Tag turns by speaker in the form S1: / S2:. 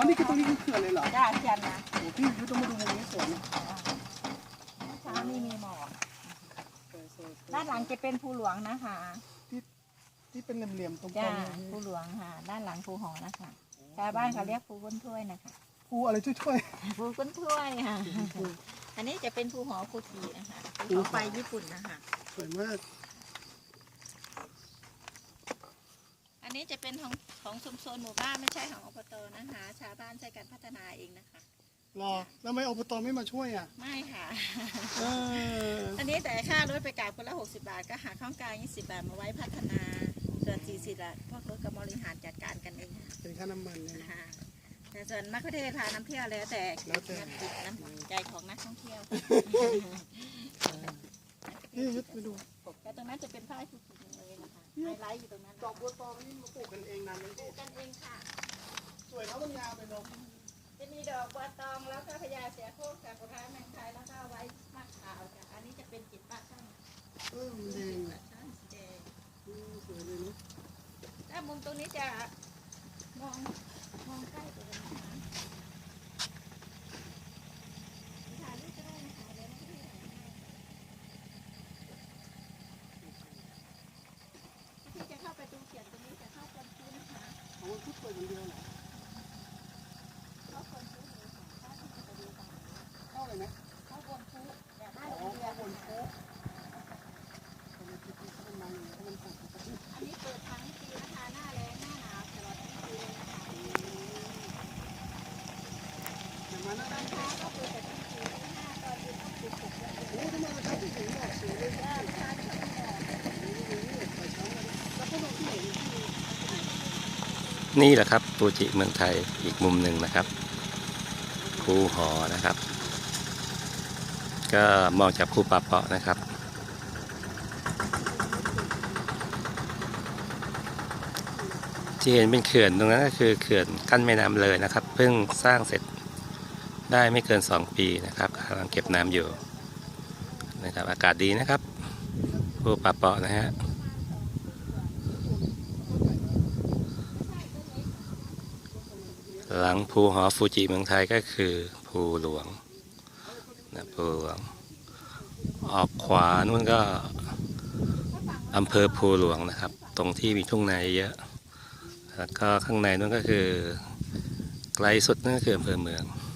S1: นี่คือตรงนี้คือเขื่อนเลยเหรอ
S2: จ้าเขื่อนนะ
S1: โอ้พี่ยุทธต้องมาดูมุมนี้สวยนะ
S2: เช้านี่มีหมอกด้านหลังจะเป็นภูหลวงนะคะ
S1: ที่เป็นเหลี่ยมๆตรงก
S2: จ้า
S1: ลาง
S2: ภูหลวงค่ะด้านหลังภูหอนะคะชาวบ้านเขาเรียกภูก้นถ้วยนะคะ
S1: ภูอะไรช่วย
S2: ภูก้นถ้วยค่ะอันนี้จะเป็นภูหอภูทีนะคะภูหอไฟญี่ปุ่นนะคะ
S1: ๆสวยมาก
S2: อันนี้จะเป็นของชุมชนหมู่บ้านไม่ใช่ของอบตนะคะชาวบ้านใช้การพัฒนาเองนะคะ
S1: รอแล้วไม่อบตไม่มาช่วยอ่ะ
S2: ไม่ค่ะ
S1: เออ
S2: อันนี้แต่ค่ารถไปกลับคนละ60 บาทก็หาข้าวกลาง20 บาทมาไว้พัฒนาส่วน40 บาทพวกรถกับบริหารจัดการกันเองค่ะ
S1: เป็นค่าน้ำมันเนี่ยนะ
S2: ค่ะแต่ส่วนมะเขือเทศพาน้ำเที่ยวแล้วแต่น้ำใจของนักท่องเที่ยว
S1: นี่ยุทธไปดู
S2: แต่ตรงนั้นจะเป็นผ้าผูกๆเลยนะคะไฮไลท์อยู่ตรงนั้น
S1: ดอกบัวตองนี่มาปลูกกันเองนานไหม
S2: ปลูกกันเองค่ะ
S1: สวยแล้วมันยาวไปเนาะ
S2: จะมีดอกบัวตองแล้วก็พญาเสือโคร่งกับกุฎาแมงไทยแล้วก็ไว้มะขาวค่ะอันนี้จะเป็นจิตป้าช่าง
S1: มันแดง
S2: ป้าช่างสีแดง
S1: สวยเลยเนาะ
S2: ถ้ามุมตรงนี้จะมองใกล้กว่านี้นะคะถ่ายรูปก็ได้นะคะเดี๋ยวไม่ได้ถ่ายให้ที่จะเข้าไปดูเขียนตรงนี้จะเข้าคนพื้นนะคะ
S1: เอาไว้พุทธเปิดอย่างเดียวเหรอ
S2: เข้าคนพื้นเลยค่ะถ้าที่จะไปดูตรงนี้
S1: เข้าเลยนะ
S2: เข้าคนพื้นอยากได้
S1: อ๋
S2: โร
S1: อง
S2: เรีย
S1: เข้าน บน
S2: นะคะ
S1: โค้งทำไมคิดว่ามันมันมันปลูกปกติ
S2: อันนี้เปิดทั้งปีนะคะหน้าแล้งหน้าหนาวตลอดทั้งปีเลยนะคะ
S1: อย่างมาหน้า
S2: ตอนเช้าก็คือแต่ทั้งคืนหน้าตอนเย็นต้องปลุกปลุกแล้ว
S1: โอ้ทำไมมันชอบที่สูงดอกสวยเลย
S2: ก็ทานข้าวหอม
S1: ไปเช้ามาแล้วก็ดอกที่ไหน
S3: นี่แหละครับฟูจิเมืองไทยอีกมุมหนึ่งนะครับภูหอนะครับ ก็มองจากภูป่าเปาะนะครับ ที่เห็นเป็นเขื่อนตรงนั้นก็คือเขื่อนกั้นแม่น้ำเลยนะครับเพิ่งสร้างเสร็จได้ไม่เกิน2 ปีนะครับกำลังเก็บน้ำอยู่นะครับอากาศดีนะครับภูป่าเปาะนะฮะหลังภูหอฟูจิเมืองไทยก็คือภูหลวงนะภูหลวงออกขวานู่นก็อำเภอภูหลวงนะครับตรงที่มีทุ่งนาเยอะแล้วก็ข้างในนู่นก็คือไกลสุดนั่นก็คืออำเภอเมือง